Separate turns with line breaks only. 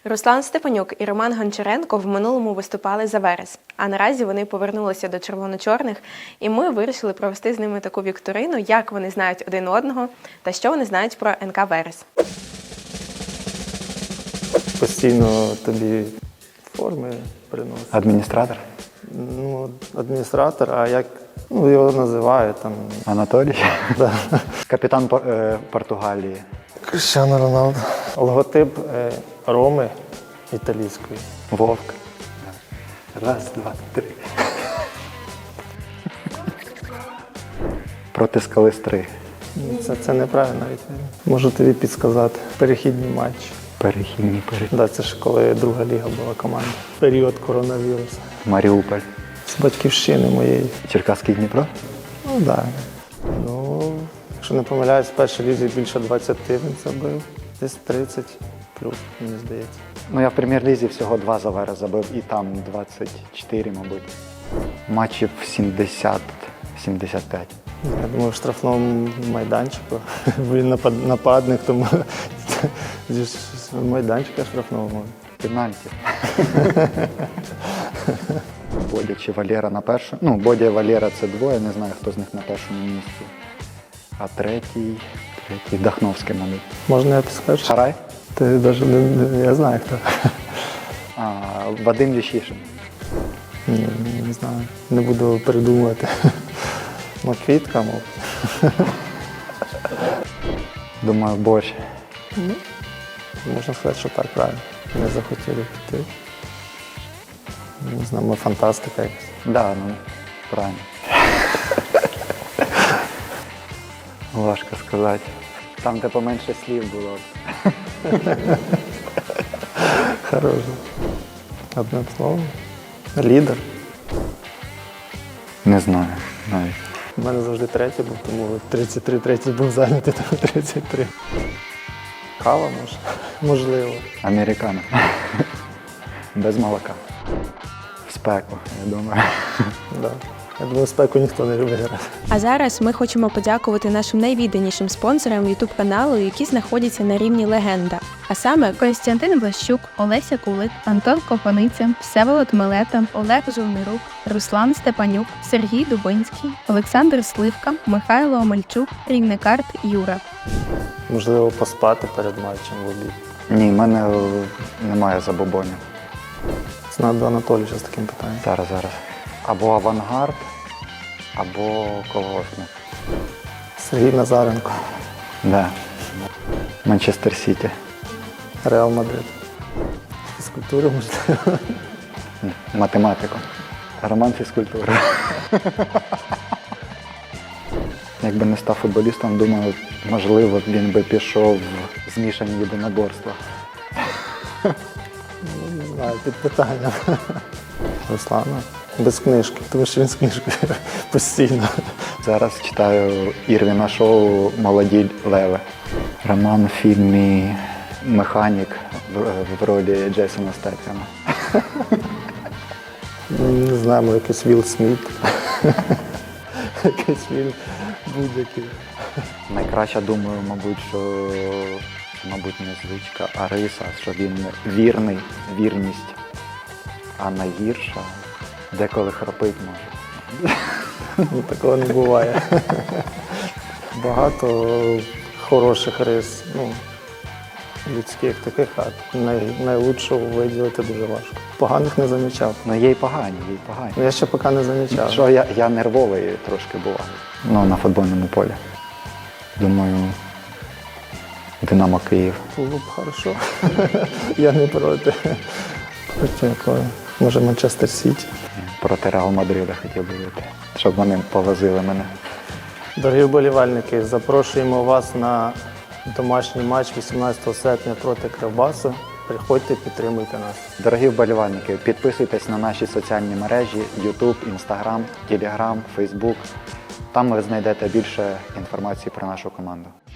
Руслан Степанюк і Роман Гончаренко в минулому виступали за Верес, а наразі вони повернулися до червоно-чорних, і ми вирішили провести з ними таку вікторину, як вони знають один одного та що вони знають про НК Верес.
Постійно тобі форми приносить.
Адміністратор?
Ну, адміністратор, а як його називають там.
Анатолій?
Да.
Капітан Португалії.
Кріштіану Роналду. Логотип Роми італійської.
Вовк. Раз, два, три. Проти Скали Стри.
Це неправильно відповідь. Можу тобі підсказати. Перехідні матчі.
Перехідні.
Да, це ж коли друга ліга була команда. Період коронавірусу.
Маріуполь.
З батьківщини моєї.
Черкаський Дніпро?
Ну, так. Да. Ну, якщо не помиляюсь, в першій лізі більше 20 він забив. Десь 30 плюс, мені здається.
Ну, я в прем'єр-лізі всього 2 за Верес забив, і там 24, мабуть. Матчів 70-75.
Я думаю, в штрафному майданчику. Він нападник, тому зі майданчика штрафного може.
Пенальті. Бодя чи Валера на першому. Ну, Бодя і Валера – це двоє, не знаю, хто з них на першому місці. А третій Дахновський, мабуть.
Можна я підскажу?
Шарай?
Ти навіть я знаю, хто.
Вадим Ющишин.
Ні, не знаю. Не буду придумувати. Квітка, мов.
Думаю, борщ.
Можна сказати, що так, правильно. Не захотіли піти. Не знаю, ми фантастика якась.
Да, ну, правильно. Важко сказати. Там, де поменше слів було.
Хороше. Одне слово. Лідер.
Не знаю навіть.
У мене завжди третій був, тому 33, третій був зайнятий, тому 33. Кава, може? Можливо.
Американо. Без молока. В спеку, я думаю.
Да. Я думаю, спеку ніхто не любить грати.
А зараз ми хочемо подякувати нашим найвідданішим спонсорам YouTube-каналу, які знаходяться на рівні легенда. А саме
Костянтин Влащук, Олеся Кулик, Антон Копаниця, Всеволод Милета, Олег Жовнирук, Руслан Степанюк, Сергій Дубинський, Олександр Сливка, Михайло Омельчук, Рівникарт Юра.
Можливо, поспати перед матчем в обід.
Ні, в мене немає забобонів.
Знаю до Анатолія з таким питанням.
Зараз. Або Авангард, або колгоспник.
Сергій Назаренко.
Да. Манчестер Сіті.
Реал Мадрид. Фізкультури, можливо.
Математику. Роман фізкультури. Якби не став футболістом, думаю, можливо, він би пішов в змішані єдиноборства.
Не знаю, під питанням. Руслана. Без книжки, тому що він з книжкою постійно.
Зараз читаю Ірвіна Шоу «Молоді леви». Роман в фільмі «Механік» в ролі Джейсона Стетхема.
Не знаю, може якийсь Вілл Сміт. Якийсь фільм будь-який.
Найкраще, думаю, мабуть, що не звичка, а риса, що він вірність. А найгірша деколи храпить може.
Такого не буває. Багато хороших рис, людських таких, а найлучшого виділити дуже важко. Поганих не замічав.
Ну є й погані.
Я ще поки не замічав.
Що я нервовий трошки буваю. На футбольному полі. Думаю, Динамо Київ.
Було б хорошо. Я не проти. Проти якої? Може, Манчестер Сіті.
Проти Реал Мадрида хотів би бути, щоб вони повозили мене.
Дорогі вболівальники, запрошуємо вас на домашній матч 18 серпня проти Кривбасу. Приходьте, підтримуйте нас.
Дорогі вболівальники, підписуйтесь на наші соціальні мережі YouTube, Instagram, Telegram, Facebook. Там ви знайдете більше інформації про нашу команду.